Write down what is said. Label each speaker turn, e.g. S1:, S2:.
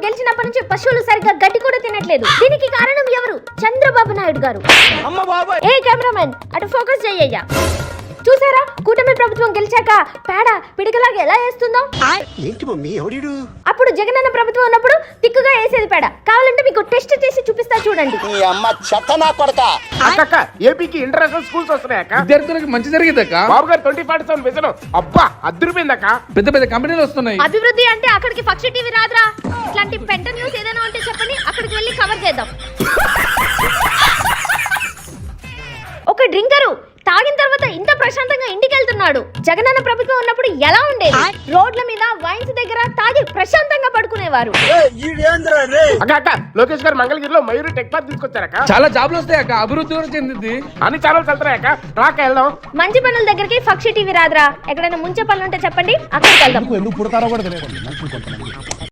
S1: గెలిచినప్పటి నుంచి పశువులు సరిగ్గా గడ్డి కూడా తినట్లేదు. దీనికి కారణం ఎవరు? చంద్రబాబు నాయుడు గారు. ఏ కెమెరామెన్ అటు ఫోకస్ చెయ్యయ్యా. చూసారా కూటమి ప్రభుత్వం గెలిచాక పేడ పిడికలాగా ఎలా వేస్తుందో? అప్పుడు జగనన్న ప్రభుత్వం ఉన్నప్పుడు తిక్కుగా వేసేది పేడ. కావాలంటే మీకు టెస్ట్ చేసి చూపిస్తా చూడండి.
S2: ఏపీకి ఇంటర్నేషనల్ స్కూల్స్ వస్తున్నాయక్క.
S3: విద్యార్థులకు మంచి జరిగిందక్క.
S2: బాబు గారు 2047 విజన్ అబ్బా అద్దరిపోయిందక్క.
S3: పెద్ద పెద్ద కంపెనీలు వస్తున్నాయి.
S1: అభివృద్ధి అంటే అక్కడికి పక్షి టీవీ రాదురా. ఇట్లాంటి పెంట న్యూస్ ఏదైనా ఉంటే చెప్పండి, అక్కడికి వెళ్ళి కవర్ చేద్దాం. ఒక డ్రింకరు తాగిన తర్వాత ఇంత ప్రశాంతంగా ఇంటికి వెళ్తున్నాడు. జగనన్న ప్రభుత్వం ఉన్నప్పుడు ఎలా ఉండేది? రోడ్ల మీద వైన్స్ దగ్గర తాగి ప్రశాంతంగా పడుకునేవారు.
S2: అక్క లోకేష్ గారు మంగళగిరిలో మయూరి టెక్ పార్క్ తీసుకొచ్చారక్క.
S3: చాలా జాబ్లు వస్తాయి అక్క. అభివృద్ధి కూడా చెందింది.
S2: అన్ని ఛానల్స్ వెళ్తున్నాయక్క. రాక వెళ్దాం.
S1: మంచి పనుల దగ్గరికి పక్షి టీవీ రాదురా. ఎక్కడైనా ముంచే పనులు ఉంటే చెప్పండి, అక్కడికి వెళ్దాం.
S4: ఎందుకు పుడతారో కూడా తెలియదు.